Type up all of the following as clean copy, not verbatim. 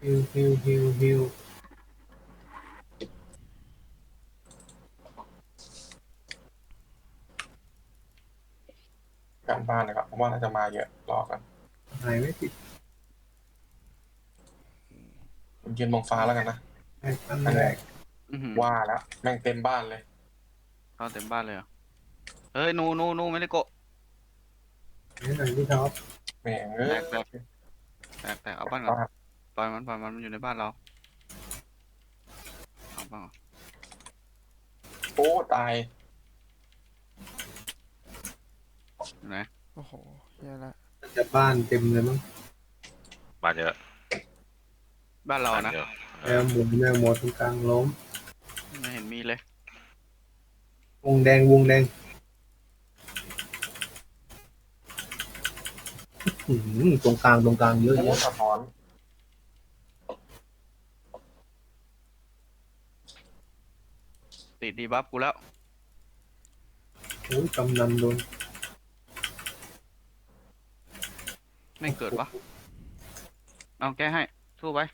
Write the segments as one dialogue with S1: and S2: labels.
S1: ฮิว
S2: การบ้านนะครับผมว่าน่าจะมาเยอะรอกัน
S1: หายไม่ติด
S2: ผมยืนมองฟ้าแล้วกันนะ
S1: ไอ้ตั้ง
S2: นั่นแหละ
S1: แรก
S2: ว่าแล้วแม่งเต็มบ้านเลย
S3: เข้าเต็มบ้านเลยเหรอเฮ้ยนูไม่ได้โกะ
S1: นี่หน่อยพี่ท็อป
S2: แม่งเอ้
S3: แตกเอาบ้านก่อน
S2: บ้าน
S3: ปล่อยมันอยู่ในบ้านเราเอาบ้างเหรอ
S2: โอ้ตาย
S3: อยู่ไหน
S4: โอ้โหเหี้ยละ
S1: จะบ้านเต็มเลยมั้ง
S5: บ้านเยอะ
S3: บ้านเรานะ
S5: เยอะ
S1: แมวหมดตรงกลางล้ม
S3: ไม่เห็นมีเลยว
S1: วงแดงตรงกลางเยอะ
S2: โอ้
S1: แยะ
S2: สะท้อน
S3: ติดดีบัฟกูแล้ว
S1: โอ้ยกำนันโดน
S3: ไม่เกิดวะเอาแก้ให้สู้ไป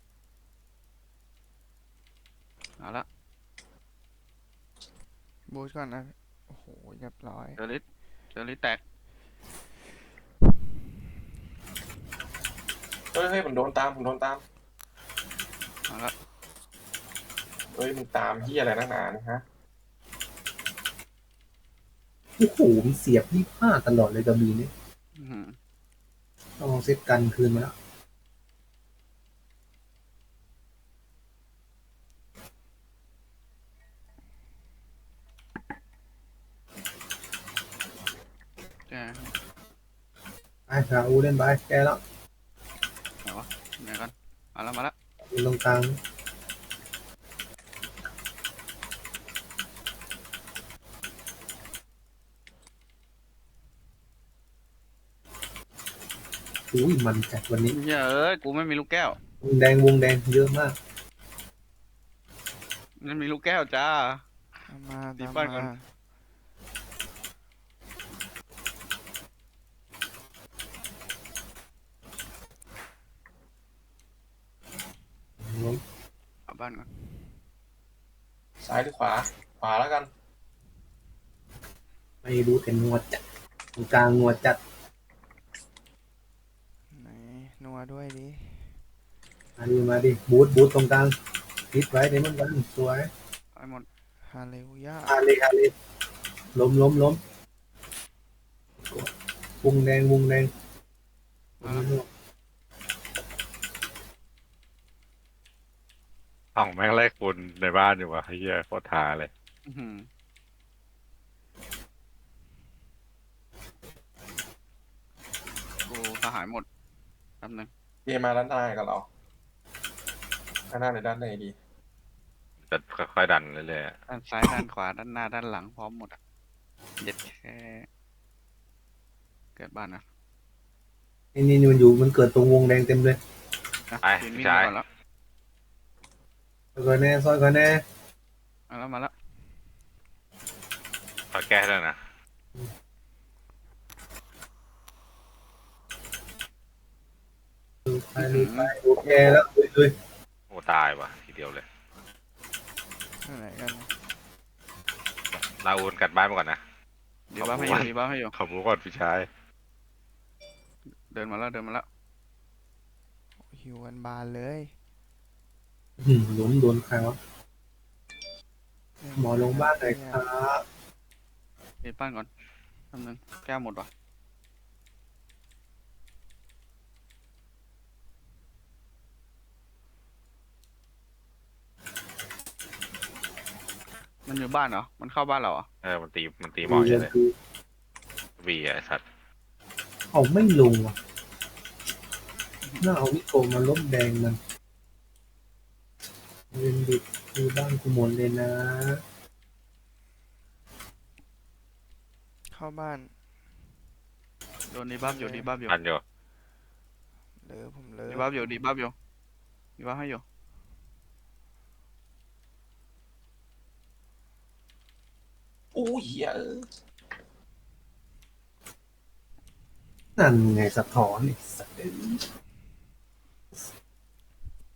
S3: เอาละ
S4: บูทก่อนนะ โอ้โหเรียบร้อย
S3: เจอริสแตก
S2: เฮ้ยมันโดนตามผมโดนตาม
S3: เอาละ
S2: เฮ้ยมึงตามที่อะไรนักหนาเนี่ยฮะ
S1: โอ้โหมีเสียบ25ตลอดเลยกระบี่นี่
S3: อื้อหือ
S1: ต้องเอาเซตกันคืนมาแล้ว
S3: แก้ให้
S1: ไปหาอูเล่นไปแกแล้ว
S3: ไหนวะไหนกันมาละ
S1: อยู่ตรงกลางอุ้ยมันจัดวันนี้
S3: เฮ้ยเอ้ยกูไม่มีลูกแก้ว
S1: วงแดงเยอะมาก
S3: ไม่มีลูกแก้วจ้า
S4: ตามมา
S3: ตี
S4: ตาม
S3: บ้านก่อน
S4: มา
S3: เอาบ้านก่อน
S2: ซ้ายหรือขวาขวาแล้วกัน
S1: ไม่รู้แต่นัวจัดตรงกลางนัวจัด
S4: ไหนนัวด้วยดิ
S1: มาดิบูทตรงกลางพิดไว้เดี๋ยวมันกันสวย
S3: ไอ้หมด
S4: ฮาเลลูยา
S1: ฮาเลล้มวงแดง
S5: ห้องแม่งไล่คุณในบ้านอยู่วะเฮียโคตรท้าเลย
S3: อื้อหือกูทหารหมดแป๊บนึง
S2: เกมมาด้านหน้ากับเราด้านหน้าหรือด้านไหนดี
S5: จะค่อยๆดันเรื่อย
S3: ด้านซ้ายด้านขวาด้านหน้าด้านหลังพร้อมหมดอ่ะเด็ดแค่เกิดบ้านนะ
S1: นี่มันเกิดตรงวงแดงเต็มเลย
S3: ยืนวิ่งก่อนแล้ว
S1: ซอยก่อนแน่
S3: มาแล้ว
S5: ๆพอแก้ได้นะ
S1: ไปโอเคแล้วเลย
S5: โอ้ตายว่ะทีเดียวเลย
S4: ที่ไหนกันนะ
S5: ลาอูนกัดบ้านมาก่อนนะ
S3: ดีบ้าให้อยู่
S5: ขอบคุณก่อนพี่ชาย
S3: เดินมาแล้ว
S4: โอ้หิวกันบานเลย
S1: ล้มโดนใครวะหมอลงบ้านหน่อยครับ
S3: เดินบ้านก่อนแป๊บนึงแก้วหมดวะ มันอยู่บ้านเหรอ มันเข้าบ้านเราเหรอ
S5: มันตีหมอใช่เลยวีไอ้สัตว์
S1: เอาไม่ลงว่ะน่าเอาวิโกมาล้มแดงมันเวนดิตคือบ้านกูหมดเลยนะ
S4: เข้าบ้าน
S3: โดนดีบัฟอยู่
S5: ทันอยู่
S4: ผมเลย
S3: ดีบัฟให้อยู่
S2: โอ้ยเหี้ย
S1: นั่นไงสะท้อนไอ้สัตว์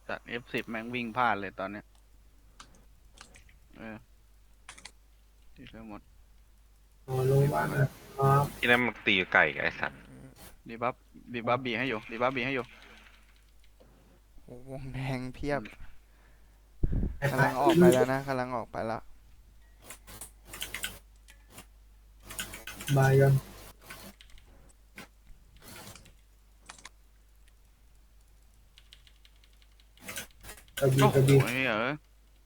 S3: จัด F10 แม่งวิ่งพลาดเลยตอนเนี้ยเออตีเร็วหมด
S1: นอนลงบ้านนะครับ
S5: ที่นั่นมันตีไก่กับไอ้สัตว์
S3: ดีบัฟดีบัฟบีให้อยู่ดีบัฟบีให้อยู่
S4: โอ้วงแดงเพียบ
S1: ไอ้
S4: กำลังออกไปแล้วนะกำลังออกไปแล้ว
S1: บายกันกระบี่
S3: โอ้
S1: กระ
S3: โห
S1: บี่
S3: เฮ้ยเออย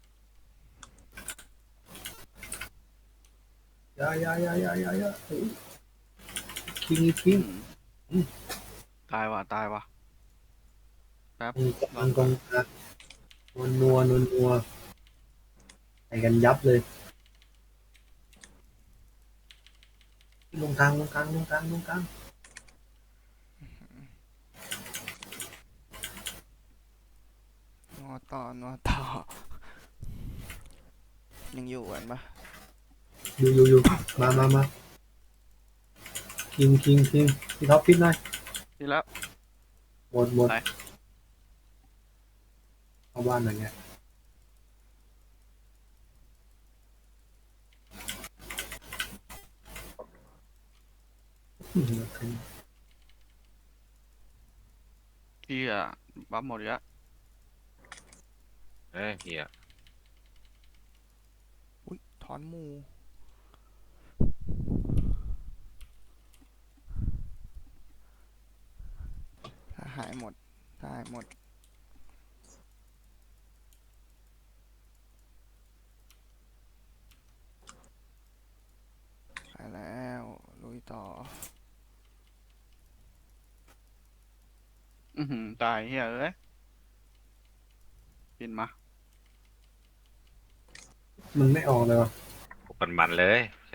S1: าเฮ้ยคิง
S3: ตายว่ะตายว่ะแป๊บ
S1: กำลังกองกลางนัวใส่กันยับเลยลงกลาง
S4: นัวต่อยังอยู่กันปะ
S1: อยู่มาคิงพี่ท็อปพิษหน่อย
S3: ทีแล้ว
S1: หมด
S3: ไหน
S1: เข้าบ้านหน่อยเนี่ยอืม
S3: ที่อ่ะบัฟหมดอีกแล้ว
S5: เอ้ยเฮีย
S4: อุ้ยถอนหมูถ้าหายหมดถ้าหายหมดไปแล้วลุยต่อ
S3: ตายเฮ้ยเอ้ยบินมา
S1: มึงไม่ออกเลยวะ
S5: มันเลยใช่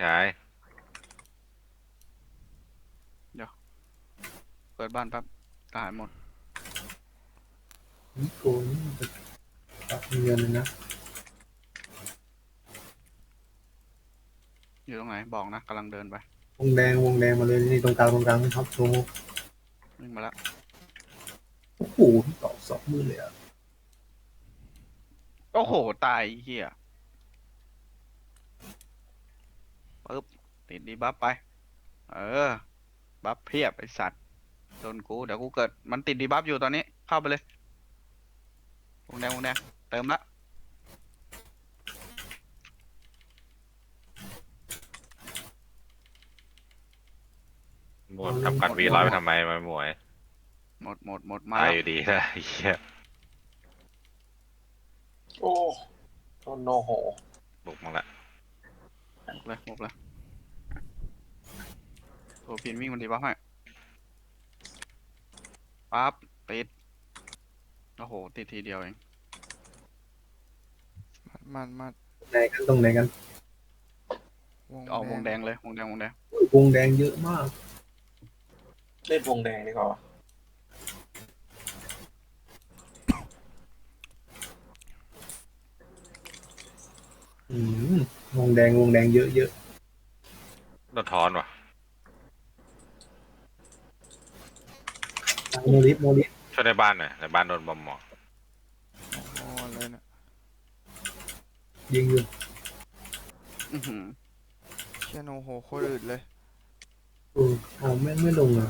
S3: เปิดบ้านแป๊บตายหมด
S1: นี่โกนี่มันจะตัดเงินเลยนะ
S3: อยู่ตรงไหนบอกนะกำลังเดินไป
S1: วงแดงมาเลยนี่ตรงกลางนี่ครับโชว์
S3: วิ่งมาแล้ว
S1: โอ้โหพี่ตอกสองมือเลยอ่ะ
S3: โอ้โหตายเฮียปึ๊บติดดีบัฟไป เออบัฟเพียบไอสัตว์โดนกูเดี๋ยวกูเกิดมันติดดีบัฟอยู่ตอนนี้เข้าไปเลยวงแดงเติมละ
S5: หมดทำกันวีร้อยไปทำไมมาหมวย
S3: หมดมา
S5: ตาย
S3: แล้ว
S5: อยู่ดีนะไอ้เฮีย
S2: โอ้โนโห
S5: บุกมึงละ
S3: หมดเลยโทรพินวิ่งมันดีบัฟให้ปั๊บติดโอ้โหติดทีเดียวเอง
S4: มัด
S1: ตรงไหนกัน
S3: เอาวงแดงเลยวงแดง
S1: วงแดงเยอะมาก
S2: เล่นวงแดงดีกว่า
S1: อืมวงแดงเยอะ
S5: โดนทอนว่ะ
S1: โมลิส
S5: ช่วยในบ้านหน่อยในบ้านโดนบอมหมอ
S4: โอ้เลยนะ
S1: ยิงอยู่
S3: อื้อหือ
S4: เชี่ยโนโหโคตรอึดเลย
S1: เอาแม่งไม่ลงอ่ะ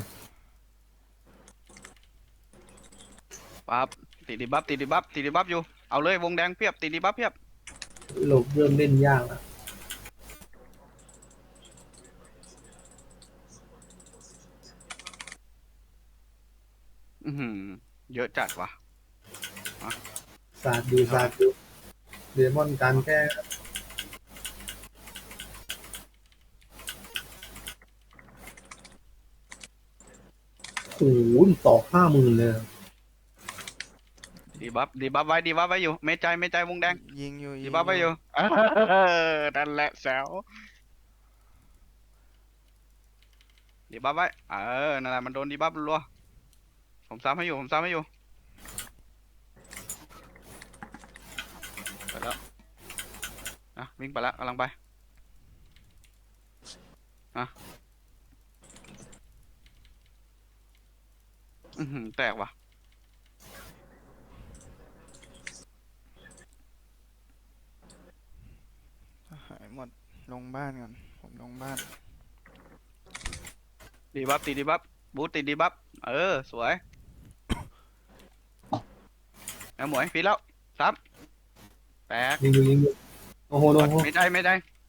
S3: ปั๊บติดดีบัฟอยู่เอาเลยวงแดงเพียบติดดีบัฟเพียบ
S1: หลบเริ่มเล่นยากอ่ะ
S3: อื้อหือเยอะจัดว่ะ
S1: ศาสตร์ดูเดมอนการแก้โอ้โหตอก50,000เลยอะ
S3: ดีบัฟไว้อยู่เมใจวงแดง
S4: ยิงอยู่
S3: ดีบัฟไว้อยู่นั่นแหละแซวดีบัฟไว้นั่นแหละมันโดนดีบัฟรัวผมซ้ำให้อยู่ไปแล้ววิ่งไปแล้วกำลังไปอื้อหือแตกว่ะ
S4: หายหมดลงบ้านก่อนผมลงบ้าน
S3: ดีบัฟติดดีบัฟบูทติดดีบัฟเออสวยเอาหมวยฟีแล้วซับแตก
S1: ยิงโอ้โหโอ้โห
S3: ไม่ได้ไม่ได้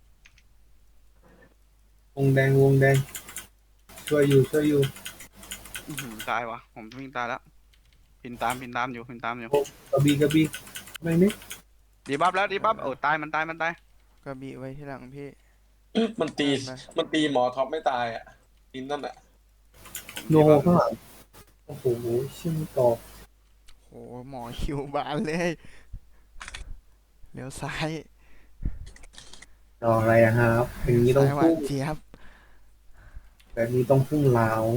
S1: วงแดงช่วยอยู่
S3: อื้อหือตายวะผมวิ่งตายแล้วพินตามอยู่
S1: กระบี่ไม่นี่
S3: ดีบัฟแล้วดีบัฟโอ้ตายมันตาย
S4: ก็บีไว้ที่หลังพี่
S2: มันตี
S4: ไป
S2: มันตีหมอท็อปไม่ตายอ่ะอินนั่นอ่ะ
S1: โนข้างหลังโอ้โหชิมตอบ
S4: โหหมอคิวบานเลยเลี้ยวซ้าย
S1: ต่ออะไรอะครับอย่างนี้ต้อง
S4: ซ้ายหวา
S1: พุ่
S4: น
S1: ง
S4: เจี๊ยบ
S1: แบบนี้ต้องพุ่งลาว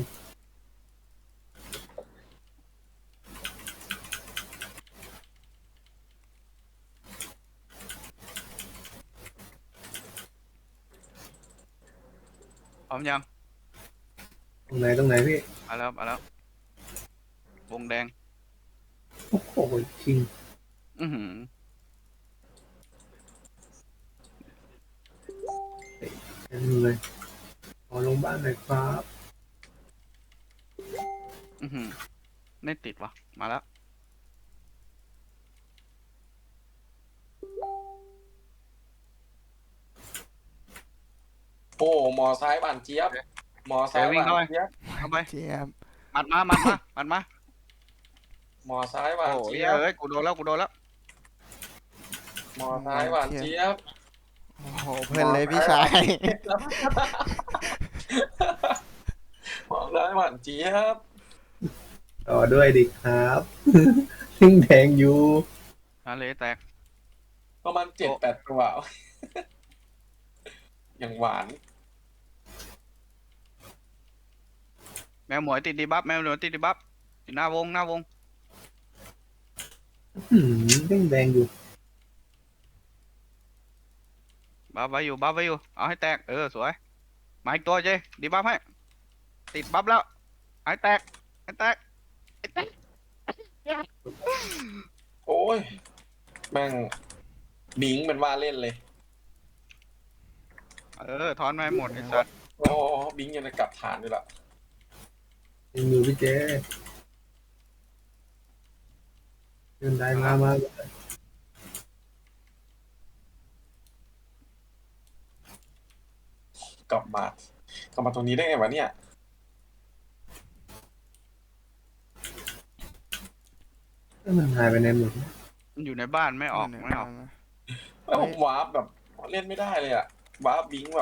S3: พร้อมยัง
S1: ตรงไหนพี่
S3: มาแล้ววงแดง
S1: โอ้โหชิง
S3: อือหือ
S1: เต็มเลยขอลงบ้านหน่อยครับ
S3: อือหือไม่ติดวะมาแล้ว
S2: โอ้หมอซ้ายหวานเจี๊ยบหมอซ้ายหวานเจี๊ยบ
S3: เข้าไป
S4: เจี๊ยบ
S3: มัดมา
S2: หมอซ้ายหวาน
S3: โอ้ย
S2: เจี๊ยบ
S3: เอ้ยกูโดนแล้ว
S2: หมอซ้ายหวานเจี๊ยบ
S4: โอ้โหเพื่อนเลยพี่ชาย
S2: หมอซ้ายหวานเจี๊ยบ
S1: ต่อด้วยดิครับชิงแดงอยู่
S3: อะไรแตก
S2: ประมาณ7-8 ตัว อย่างหวาน
S3: แมวหมวยติดดีบัฟติดหน้าวง
S1: ชิงแดงอยู่
S3: บัฟไว้อยู่เอาให้แตกเออสวยมาอีกตัวเจดีบัฟให้ติดบัฟแล้วให้แตก
S2: โอ้ยแม่งบิงเป็นว่าเล่นเลย
S3: เออถอนมาให้หมดไอ้สัตว์
S2: โอ้บิงยังจะกลับฐานด้วยล่ะ
S1: ยังอยู่พี่เจเดินได้มา
S2: กลับมาตรงนี้ได้ไงวะเนี่ย
S1: มันหายไปไหนหมด
S3: มันอยู่ในบ้านไม่ออก
S4: เนี่ย
S3: ไม่ออก
S4: มา
S2: แล้วผมวาร์ปแบบเล่นไม่ได้เลยอะวาร์ปบิงแบบ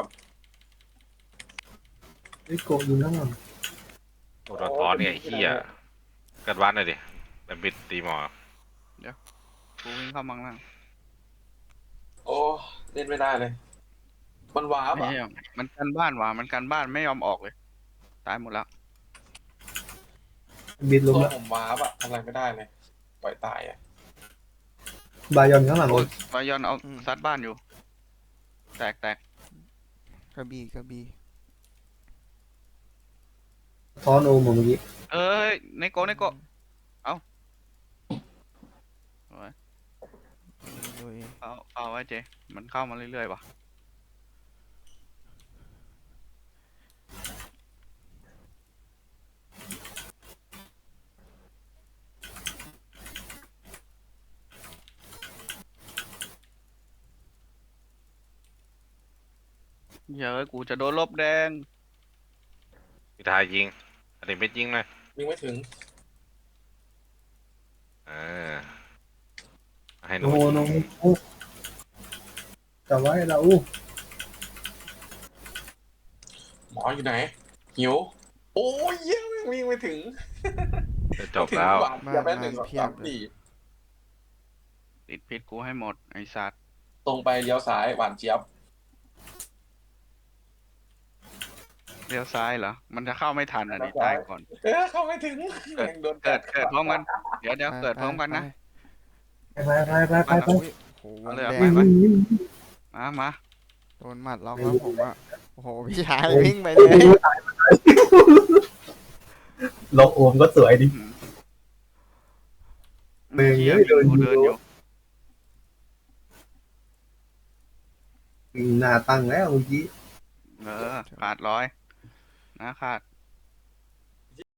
S1: ไอ้โกะอยู่นั่งหลัง
S5: โอ้โดนท้อนเนี่ยไอ้เหี้ยกันวัดหน่อยดิเป็นบิดตีหมอ
S3: กูวิ่งเข้ามังล่าง
S2: โอ้เล่นไม่ได้เลย มันวาร์ป
S3: ไม่
S2: อะ
S3: ใช่มันกันบ้านว่ะมันกันบ้านไม่ยอมออกเลยตายหมดแล้ว
S1: บิดลง
S2: ตัว
S1: แล้ว
S2: ผมวาร์ปอะทำอะไรไม่ได้เลย ปล่อยตายอะ
S1: บายอนข้างหลัง
S3: โอ้ยบายอนเอาซัดบ้านอยู่แตก
S4: กระบี่
S1: ท้อนโอมเมื่อกี้
S3: เอ้ยในโก
S4: ลุย
S3: เอาไว้เจมันเข้ามาเรื่อยๆว่ะเฮ้ยกูจะโดนลบแดง
S5: พิทายยิงอันนี้ไม่ยิงเลย
S2: ยิงไม่ถึง
S5: เออให้หนู
S1: โอ้โหน้องอู้แต่ว่าเราอู้
S2: หมออยู่ไหน หิว โอ้ยเยี่ยมวิ่งไม่ถึง
S5: จะจบแล้ว
S2: หวานอย่าไป1 2 3 4
S3: ติดพิษกูให้หมดไอ้สัตว์
S2: ตรงไปเลี้ยวซ้ายหวานเจี๊ยบ
S3: เลี้ยวซ้ายเหรอมันจะเข้าไม่ทันอ่ะดิตายก่อน
S2: เข้าไม่ถึงแม่งโดน
S3: เกิดพร้อมกันเดี๋ยวเกิดพร้อมกันนะ
S1: ไป
S4: อุ้ยโอ้โหวง
S3: เอาเลยเอา
S4: แด
S3: ไป
S4: ง
S3: ไหม
S1: วิ่ง
S3: มา
S4: โดนหมัดล็อกแล้วผมอะโอ้โหพี่ชายวิ่งไปเลย
S1: ลงโอมก็สวยดิ เมย์
S3: เหี้ย
S1: เดิน
S3: กู
S1: อยู่
S3: เดินอยู่
S1: หน้าตั้งแล้วเมื่อกี้
S3: ขาดร้อยนะขาด